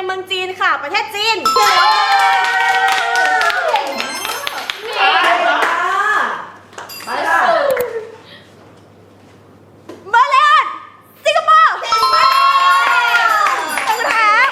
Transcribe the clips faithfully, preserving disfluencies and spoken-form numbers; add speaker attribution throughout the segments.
Speaker 1: เมืองจีนค่ะประเทศจีน
Speaker 2: ไปค่ะ
Speaker 1: มาเลย์สิงคโปร์ต้องถาม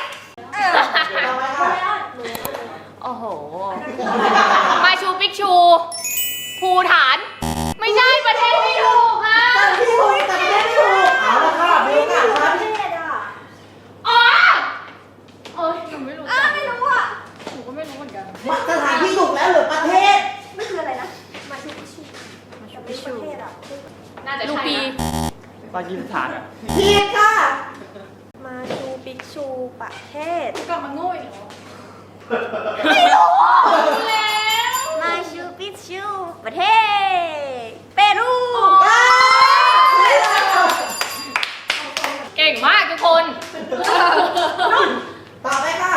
Speaker 3: โอ้โหมาชูปิกชูภูฐานไม่ใช่ประเทศไม่ถูกค่ะ
Speaker 2: แต่ที่ถูกแต่ประเทศไม่ถูกเอาละค่ะมีโอกาสครับ
Speaker 3: อ๋อเอ้ยหนูไม่รู้
Speaker 1: อ้าไม่รู้อ่ะ
Speaker 3: หนูก็ไม่รู้เหมือนกัน
Speaker 2: สถานที่ถูกแล้วหรือประเทศ
Speaker 1: ไม่คืออะไรนะมาชูปิชูมาชูปิชูประเทศอ่ะ
Speaker 3: น่าจะ
Speaker 1: ลู
Speaker 3: ใช่
Speaker 1: ปี
Speaker 3: นะ
Speaker 4: ปากีสถานอ่ะ
Speaker 2: ผิดค่ะ
Speaker 1: มาชูปิชูประเทศ
Speaker 3: กลับมาโง่อีกเหรอ
Speaker 1: ไม่รู้
Speaker 3: แล้ว
Speaker 1: มาชูปิชูประเทศเปรู
Speaker 3: เก่งมากทุกคน
Speaker 2: ต่อไปค่ะ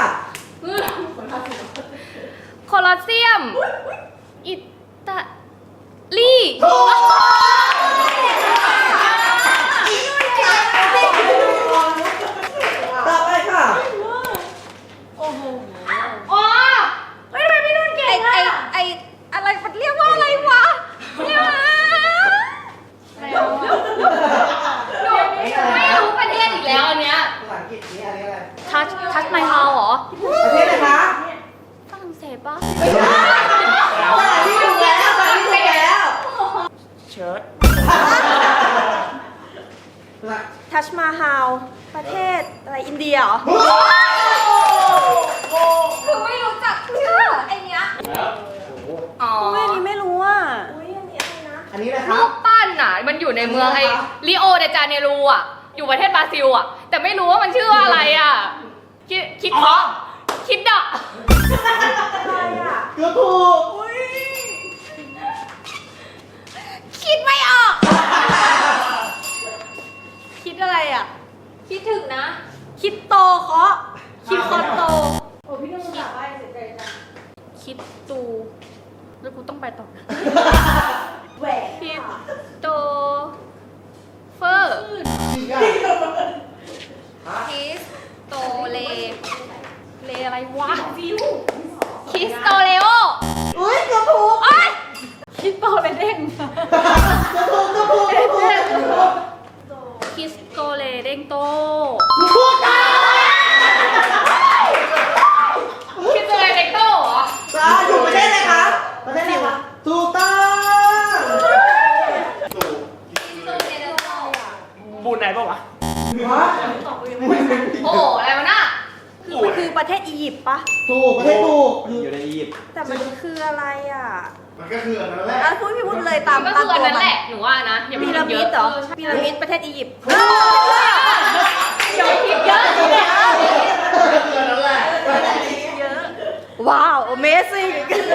Speaker 3: โคลอสเซียม อิตาลี
Speaker 2: ถูกต่อไปค่ะ
Speaker 3: โอ้โหอ๋อ
Speaker 1: เฮ้ยทำไมพี่นุ่นเก่งอ่ะไอไออะไรมันเรียกว่าอะไรวะเรียกว่า
Speaker 3: ไม่รู้ประเทศอีกแล้วอันเนี้ย
Speaker 2: ภาษาอังกฤษนี่อะไรอะไร
Speaker 3: ทัชทัชไมฮาวเหรอ
Speaker 2: ประเทศอะไรคะ
Speaker 3: ฝรั่งเศสปะ
Speaker 2: ไม่ใช่สถานที่ถูกแล้วสถานที่ถูกแล้ว
Speaker 4: เชิร์ต
Speaker 1: ทัชมาฮาลประเทศอะไรอินเดียเหรอคือไม่รู้จักชื่อไอเนี้ย
Speaker 3: อ๋อ
Speaker 1: ไม่นี้ไม่รู้อ่ะอุ้ยอันนี้อะไรนะ
Speaker 2: อันนี้นะค
Speaker 3: รู
Speaker 2: รับ
Speaker 3: ปปั้นอ่ะ มันอยู่ในเมืองไอริโอเดจาเนรูอ่ะ อยู่ประเทศบราซิลอ่ะ แต่ไม่รู้ว่ามันชื่อว่าอะไรอ่ะ คิดคิดเพาะคิดดะ
Speaker 1: อะไรอ่ะ
Speaker 2: เกือบถูก
Speaker 1: คิดไม่ออก คิดอะไรอ่ะ
Speaker 3: คิดถึงนะ
Speaker 1: คิดโตเคาะคิดคอโต
Speaker 3: โอ้พี่นุ่มอยากไปเสียใจจัง
Speaker 1: คิดตูแล้วกูต้องไปต่อ
Speaker 2: แหวก
Speaker 1: คิดโตเฟอร์ คิสโตเลเลอะไรวะคิสโตเลโอ
Speaker 2: อุ้ยเกือบถูก
Speaker 1: เอ้ยคิสโตเลเด้ง
Speaker 2: เกือบถูกเกือบถูกเกือบถูกเกือบถูก
Speaker 1: คิสโตเลเด้งโต
Speaker 2: ถูกจ้า
Speaker 3: คิดจะอะไรเด็กโตเหรอ
Speaker 2: จ้าอยู่ประเทศอะไรคะประเทศอะไรคะถูกต้อง
Speaker 4: บูนไหนปะวะ
Speaker 2: ฮะ
Speaker 3: โอ้โหอะไรวะน่ะ
Speaker 1: คือมันคือประเทศอียิปต์ปะ
Speaker 2: ถูกประเทศถูก
Speaker 4: อยู่ในอียิปต์
Speaker 1: แต่มันคืออะไรอ่ะ
Speaker 5: มันก็คืออันนั้นแหละ
Speaker 1: อ่ะพูดพี่พูดเลยตาม
Speaker 3: ก็
Speaker 1: ตา
Speaker 3: คื
Speaker 1: ม
Speaker 3: ออัน
Speaker 1: ตัว
Speaker 3: นั้น
Speaker 1: มั
Speaker 3: แห
Speaker 1: น
Speaker 3: ละหนูว่านะอย่าไป
Speaker 1: พี
Speaker 3: คิ
Speaker 1: ระ
Speaker 3: ดเย
Speaker 1: มิ
Speaker 3: อะ
Speaker 1: ดเหรอ
Speaker 3: เออใช่
Speaker 1: พีระมิดประเทศอียิปต์
Speaker 3: อย่าไปคิดเยอะ
Speaker 5: คืออันนั้นแหละ
Speaker 1: เยอะว้าว Amazing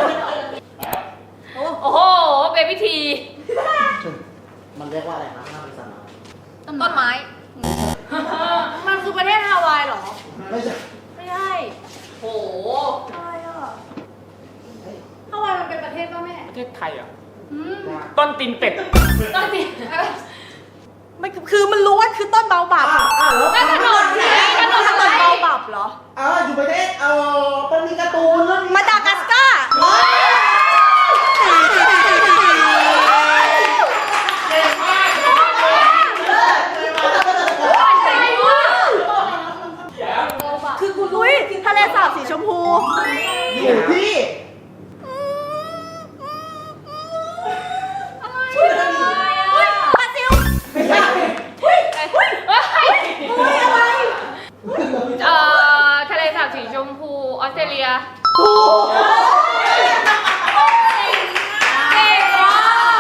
Speaker 3: โอ้โหเบบี้ที
Speaker 2: มันเรียกว่าอะไรคะห้าปีสาม
Speaker 1: ต้นไม้ มันคือประเทศฮาวายเหรอ
Speaker 2: ไม่ใช่
Speaker 1: ไม่ใช่
Speaker 3: โอ้โห
Speaker 1: อะไรอ่ะฮาวายมันเป็นประเทศป่ะแม่
Speaker 4: ประเทศไทยอ่ะต้นตีนเป็ด
Speaker 3: ต้องติด
Speaker 1: มันคือมันรู้ว่าคือต้นเบาบับ
Speaker 2: อ่าอ่าแล้ว
Speaker 3: แล้วถนนไงถนน
Speaker 1: ถ
Speaker 3: อะ
Speaker 1: น
Speaker 3: ไร
Speaker 1: นเบาบับเหรอ
Speaker 2: อ่าอยู่ประเทศเอ่อมันมีการ์ตูนเรื่องนี้
Speaker 1: มาดากัสการ์ คือคุณรู้ทะเลสาบสีชมพู
Speaker 2: อยู่ที่
Speaker 1: บราซิล
Speaker 2: ไม่ใช่
Speaker 3: เฮ้ย
Speaker 1: อะไร
Speaker 3: เอ่อทะเลสาบสีชมพูออสเตรเลีย
Speaker 2: ถูก
Speaker 1: เก่งว่ะ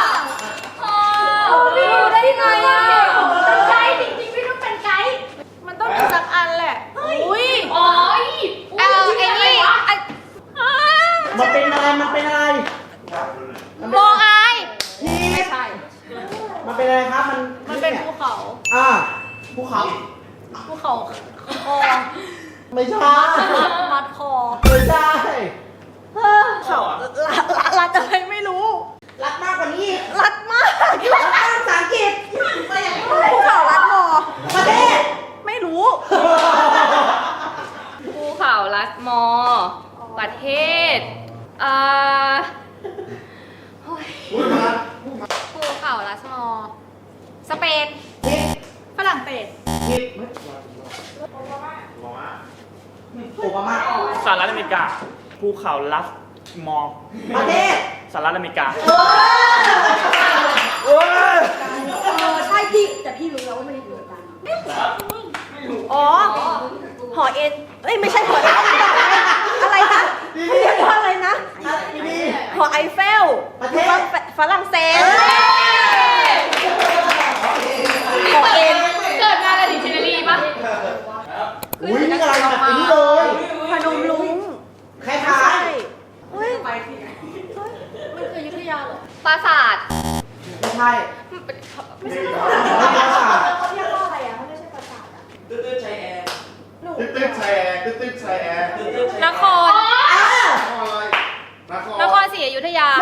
Speaker 1: พี่รู้ได้ยังไงอ่ะเป็นไกด์จริงๆพี่ต้องเป็นไกด์มันต้องมีสักอันแหละอุ้ย
Speaker 3: อ๋อ
Speaker 1: เออไอ้นี่ไอ้อ่า
Speaker 2: มันเป็นอะไรมันเป็นอะไร
Speaker 1: โมอาย
Speaker 2: ที่
Speaker 1: ไม่ใช่
Speaker 2: มันเป็นอะไรครับมัน
Speaker 1: มันเป็นภูเขา
Speaker 2: อ่าภูเขา
Speaker 1: ภูเขาคอ
Speaker 2: ไม่ใช่
Speaker 1: มัดคอ
Speaker 2: ไม่ใช่
Speaker 1: เขารัดรัดรัดอะไรไม่รู้
Speaker 2: รักมากกว่านี้อีก
Speaker 1: รัดมาก
Speaker 2: รักมากภาษาอังกฤษ
Speaker 1: ภูเขารัดมอ
Speaker 2: ประเทศ
Speaker 1: ไม่รู้ภู
Speaker 3: ประเทศเอ่อโอ้ย
Speaker 5: พูดมา
Speaker 1: ภูเขาลัสมอร์สเปน
Speaker 2: ผิด
Speaker 1: ฝรั่งเศส
Speaker 2: ผิด
Speaker 5: โอบามา
Speaker 2: โอบามา
Speaker 4: สหรัฐอเมริกา ภูเขาลัสมอร์
Speaker 2: ประเทศ
Speaker 4: สหรัฐอเมริกา
Speaker 5: เอ้ย
Speaker 6: เออใช่พี่แต่พี่รู้แล้วว่ามันอยู่กัน อ๋อ หอเอ็นเอ้ยไม่ใช่หอเอ็นอะไรคะเขาเรียกว่าอะไรนะ
Speaker 2: นี่
Speaker 6: หอไอเฟล
Speaker 2: ประเทศ
Speaker 6: ฝรั่งเศสหอเอ็น
Speaker 3: เกิดงานอะไรดิเชนนารีปะ
Speaker 2: อุ้ยนี่อะไรแบบนี้เลย
Speaker 6: พนมรุ้ง
Speaker 2: คล้า
Speaker 6: ใช่
Speaker 2: ย
Speaker 6: เฮ้ย
Speaker 1: มันคืออยุธยาเหรอ
Speaker 3: ปราสาท
Speaker 2: ๆไม่ใช่
Speaker 5: ไม่ใช่
Speaker 2: ไม่ใช่ค่ะ
Speaker 6: เขาเรียกว่าอะไรอ่ะเขาไม่ใช่ประสาทอ่ะ
Speaker 5: ตึ๊ดตึ๊ดชายแอร์ตึ๊ดตึ๊ดชายแอร์ตึ๊ดตึ๊ดชายแอร์
Speaker 1: นคร
Speaker 2: อ่ะ
Speaker 5: นคร
Speaker 1: นครศรีอยุธยา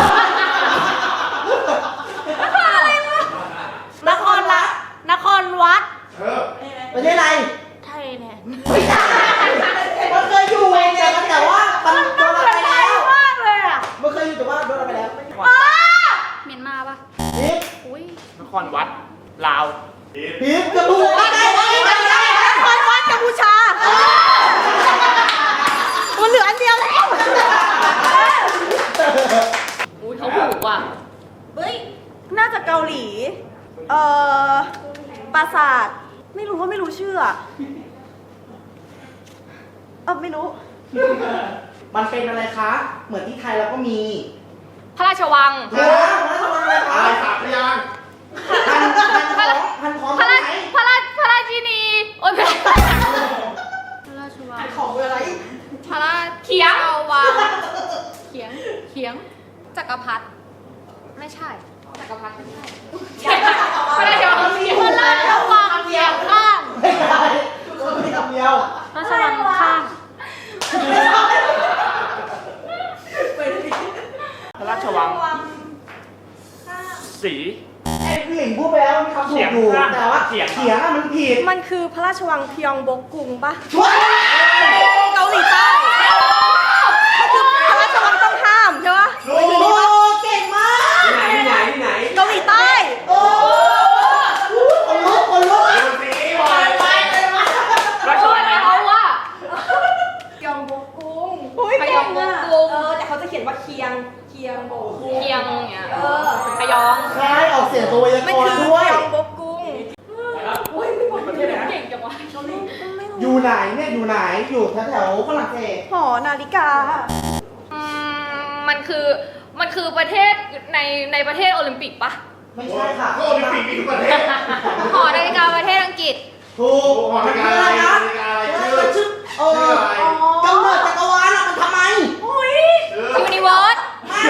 Speaker 6: นครละนครวัด
Speaker 5: เออ
Speaker 2: ประเทศอะไร
Speaker 6: ไทยแลนด์
Speaker 2: ไม่ใช่มันเคยอยู่แต่มันแต่ว่ามันโดนอะไรไปแล้ว
Speaker 6: มากเลยอ่ะ
Speaker 2: มันเคยอยู่แต่ว่าโดนอะไรไปแล้ว
Speaker 1: เมียนมาปะ
Speaker 2: ผิด
Speaker 1: อุ้ย
Speaker 4: นครวัด ลาว
Speaker 5: ผิด
Speaker 2: ผิดกระดูกได้ได้ได้ได้
Speaker 6: นครวัดกัมพูชา มันเหลืออันเดียวแล้ว
Speaker 3: อุ้ยเขาถูกว่ะ
Speaker 6: เฮ้ย น่าจะเกาหลี เอ่อ ปราสาท ไม่รู้ว่าไม่รู้ชื่ออะเออไม่รู้
Speaker 2: มันเป็นอะไรคะ เหมือนที่ไทยเราก็มี
Speaker 3: พระราชวัง
Speaker 2: ฮะมันทำอะไร
Speaker 5: อะ
Speaker 2: คะ
Speaker 5: ไรสามพยางค์
Speaker 2: พันพันของพันของ
Speaker 3: พระ
Speaker 2: ตร
Speaker 3: ราง
Speaker 2: ไหน
Speaker 3: พระราพระราชินี โอ๊ยไม่ใช่
Speaker 1: พระราชวัง
Speaker 2: พันของคืออะไร
Speaker 1: พระรา
Speaker 3: เขียง
Speaker 1: ชวังเขียง เขียง จักรพรรดิ ไม่ใช่ จักรพรรดิไม่ใช่
Speaker 3: พระราชวังเขียง
Speaker 1: พระราชวังเขียงข้าง
Speaker 2: ไม่ใช่คนที่ทำเดียว
Speaker 1: พระราชวังข้าง
Speaker 4: พระราชวัง สี
Speaker 2: ไอ้ผู้หญิงพูดไปแล้วมีคำถูกอยู่
Speaker 4: เถียงข้าง
Speaker 2: แต่ว่า
Speaker 4: เถียง
Speaker 2: เถียงอะมันผิด
Speaker 6: มันคือพระราชวังพยองบกกุงปะ
Speaker 2: ช่วย
Speaker 6: เกาหลีใต้มันคือพระราชวังต้องห้ามใช่ปะ
Speaker 2: โอ้เก่งมาก
Speaker 5: ที่ไหนที่ไหนที่ไหน
Speaker 6: เกาหลีใต้
Speaker 2: โอ้คนลุกคนลุก
Speaker 5: ดูสิบอยไปเลยมา
Speaker 4: ราช
Speaker 3: ช่ว
Speaker 4: วั
Speaker 3: ย
Speaker 4: งอะไร
Speaker 3: เขาว่า
Speaker 6: พยองบกกุงอุ้ย
Speaker 3: พย
Speaker 6: เก่
Speaker 3: อง
Speaker 6: ง
Speaker 3: บก
Speaker 6: อะ
Speaker 3: กุง
Speaker 6: เออแต่เขาจะเขียนว่าเคียง เคียงบกกุง
Speaker 3: เคียงอย่างเงี้ย
Speaker 6: เออ
Speaker 3: พยอง
Speaker 2: ใช่ออกเสียงตัวไวยา
Speaker 6: มัน
Speaker 2: กร
Speaker 6: คือ
Speaker 2: ณ์
Speaker 6: พ
Speaker 2: ด้วย
Speaker 6: ยองบกกุง
Speaker 4: ประเทศอะไรนะ
Speaker 3: เก่งจังวะ
Speaker 2: อยู่ไหนเนี่ยอยู่ไหนอยู่แถวแถวๆฝรั่งเศส
Speaker 6: หอนาฬิกา
Speaker 3: อืมมันคือมันคือประเทศในในประเทศโอลิมปิกปะ
Speaker 2: ไม่ใช่ค่ะ
Speaker 5: ก็โอลิมปิกมีทุกประเทศ
Speaker 1: หอนาฬิกาประเทศอังกฤษ
Speaker 2: ถูก
Speaker 5: หอนาฬิกาอะไรนาฬิกาอะไรชื่อ
Speaker 2: มันชื่อเอ
Speaker 5: ชื่อ
Speaker 2: อ
Speaker 5: อะไร
Speaker 2: กำเนิดจักรวาลอะมันทำไม
Speaker 5: ชื่อ
Speaker 1: ยูนิเวิร์ส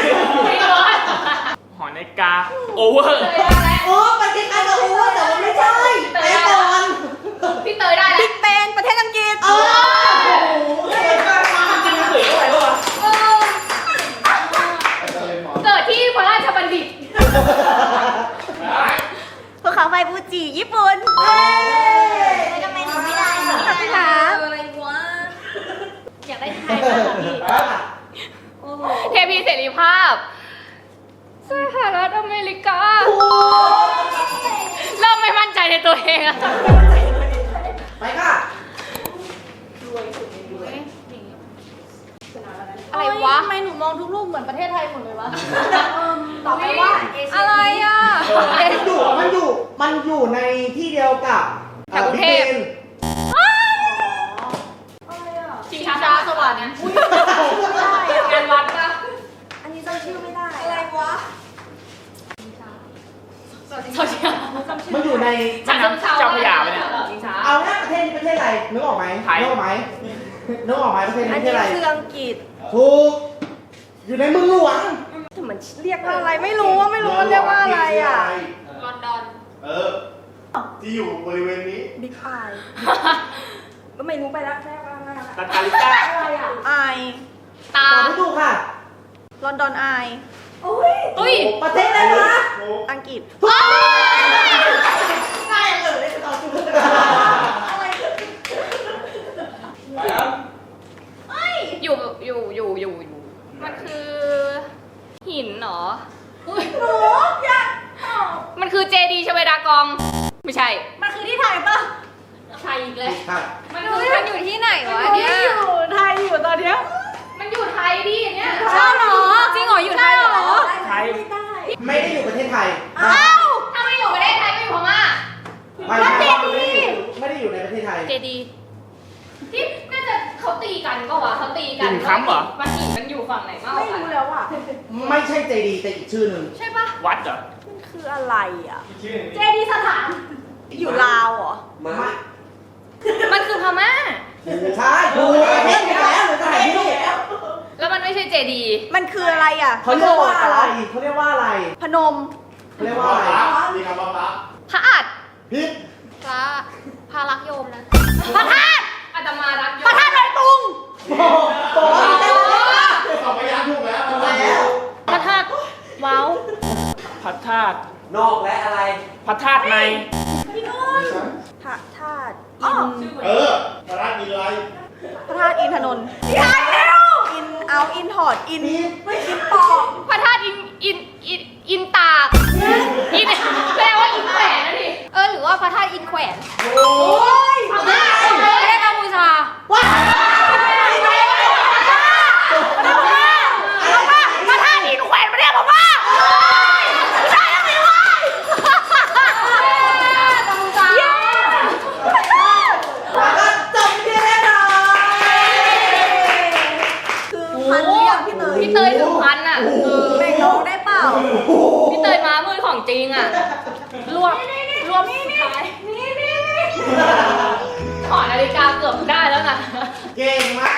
Speaker 4: หอนาฬิกา โอเวอร์
Speaker 2: โอ้มันคล้ายๆกับโอเวอร์แต่มันไม่ใช่ไอ้ก่อน
Speaker 3: พี่เตยได้แล้ว
Speaker 6: บิ๊กเบนประเทศอังกฤษ
Speaker 2: เออโอ้โหเก่งมาก
Speaker 4: จริงๆเสืออะไรวะ
Speaker 3: เออเกิดที่พระราชบัณฑิต
Speaker 6: ภูเขาไฟฟูจิญี่ปุ่นเฮ้ยทำไมหนูไม่ได้ขอบคุณค่ะ
Speaker 1: อะไรวะ อยากได้ไทยมากกว่าพี่
Speaker 3: เทพีเสรีภาพสหรัฐอเมริกา เริ่มไม่มั่นใจในตัวเองอะ
Speaker 2: ไปค่ะ
Speaker 1: อะไรวะ
Speaker 6: ทำไมหนูมองทุกรูปเหมือนประเทศไทยหมดเลยวะ
Speaker 1: ตอบไปว่า อะไรอ่ะ
Speaker 2: มันอยู่มันอยู่มันอยู่ในที่เดียวกับ
Speaker 3: แถวกรุงเทพ
Speaker 2: บิ๊กบน
Speaker 3: ชิงช้าสวรรค์ งานวัดปะ
Speaker 6: อันนี้จำชื่อไม่ได้
Speaker 1: อะไรวะ
Speaker 3: โซเชียล
Speaker 2: มันอยู่ใน
Speaker 4: แม่น้ำเจ้าพระยาไหมเนี่ย
Speaker 3: ชิงช้า
Speaker 2: เอาแค่ประเทศนี้ประเทศอะไรนึกออกไหม
Speaker 4: ไทย
Speaker 2: นึกออกไหมนึกออกไหมประเทศนี้
Speaker 6: อัน
Speaker 2: ประเทศ
Speaker 6: นี้
Speaker 2: อะไร
Speaker 6: คืออังกฤษ
Speaker 2: ถูกอยู่ในเมืองหลวง
Speaker 6: แต่มันเรียกว่าอะไรไม่รู้ว่าไม่รู้ว่าเรียกว่าอะไรอ่ะ
Speaker 1: ลอนดอน
Speaker 5: เออ ที่อยู่บริเวณนี้
Speaker 6: บิ๊กไอก็ไม่รู้ไปแล้วแค่ว่าอะไร
Speaker 4: ลาตาลิก้า
Speaker 6: ไอ
Speaker 3: ตา
Speaker 2: ตอบไม่ถูกค่ะ
Speaker 6: ลอนดอนไอ
Speaker 3: อุ้ย
Speaker 2: ประเทศอะไรวะ
Speaker 5: ถูก
Speaker 6: อังกฤษ
Speaker 2: ง่ายเลยตอบถูก
Speaker 5: ไปครับ
Speaker 3: อยู่อยู่อยู่อยู่อยู่อยู่มันคือหินเหรอ
Speaker 4: หนูอยากตอบ
Speaker 3: มันคือเจดีย์ชเวดากอง ไม่ใช่
Speaker 4: มันคือที่ไทยปะ
Speaker 3: ไทยอีกเลย
Speaker 2: ใช่
Speaker 3: มันคือ
Speaker 1: มันอยู่ที่ไหนวะ
Speaker 4: หนู
Speaker 1: เนี่ย
Speaker 4: อยู่ไทยอยู่ตอนเนี้ย
Speaker 3: มันอยู่ไทยดิเนี่ย
Speaker 1: ใช่เหรอ จริงเหรออยู่ไทยเหรอ
Speaker 2: ไทยไม่ได้อยู่ประเทศไทย
Speaker 3: อ้าวถ้าไม่อยู่ประเทศไทยก็อยู่พม่า
Speaker 2: ไม่ได้ไม่ได้อยู่ในประเทศไทย
Speaker 3: เจดีย์ที่น่าจะเขาตีกันก็วะเขาตีกัน
Speaker 7: หินค้ำเหรอ
Speaker 3: มันหินมันอยู่ฝั่งไหนมากก
Speaker 6: ไม่
Speaker 3: ว่ากัน
Speaker 6: รู้แล้วอ่ะ
Speaker 2: ไม่ใช่เจดีย์แต่อีกชื่อหนึ่ง
Speaker 3: ใช่ปะ
Speaker 7: วัดเหรอ
Speaker 6: มันคืออะไรอ่ะ
Speaker 4: เจดีสถาน
Speaker 6: อยู่ลาวเหรอ
Speaker 2: มา
Speaker 3: มันคือพม่า
Speaker 2: ใช่ถูกประเทศอยู่แล้วหรือสถานที่
Speaker 3: แล้วมันไม่ใช่เจดีย์
Speaker 6: มันคืออะไรอ่ะ
Speaker 2: เขาเรียกว่าอะไรเขาเรียกว่าอะไร
Speaker 6: พนม
Speaker 2: เขาเรียก
Speaker 5: พ
Speaker 2: ว่าอะไร
Speaker 5: ระมีคำว่าพระ
Speaker 3: พระอาจ
Speaker 5: พิษ
Speaker 1: พระพระรักโยมนะ
Speaker 3: พระธาตุอาตมารักโยม
Speaker 6: พระธาตุดอยตุง
Speaker 2: โอ้โหโอ้โห
Speaker 5: สองพยางค์ถูกแล้ว
Speaker 2: แล้ว
Speaker 3: พระธาตุว้าว
Speaker 7: พระธาตุ
Speaker 2: นอกและอะไร
Speaker 7: พระธาตุใน
Speaker 6: พระธาตุอิน
Speaker 5: เออพระราชมีอะไร
Speaker 6: พระธาตุอินทนนท์อินเอาอินถอดอินอินปอก
Speaker 3: พระธาตุอินอินอินอินตากอินแปลว่าอินแขวนนะดิ
Speaker 1: เออหรือว่าพระธาตุอินแขวน
Speaker 2: โอ้ย
Speaker 3: พม่าประเทศกัมพูชา
Speaker 2: ว้า
Speaker 3: พระธาตุอินแขวนประเทศพม่าไม่ใช่แล้วสิวะกัมพูชา
Speaker 2: แล้วก็จบที่แน่นอน
Speaker 6: คือพันเรียกพี่เตย
Speaker 3: พี่เตยถึงพันอ่ะเออ
Speaker 6: แบ่งน้องได้เปล่า
Speaker 3: พี่เตยมามือของจริงอ่ะ รวมรวมสุดท้ายขอนาฬิกาเกือบได้แล้วนะ
Speaker 2: เก่งมา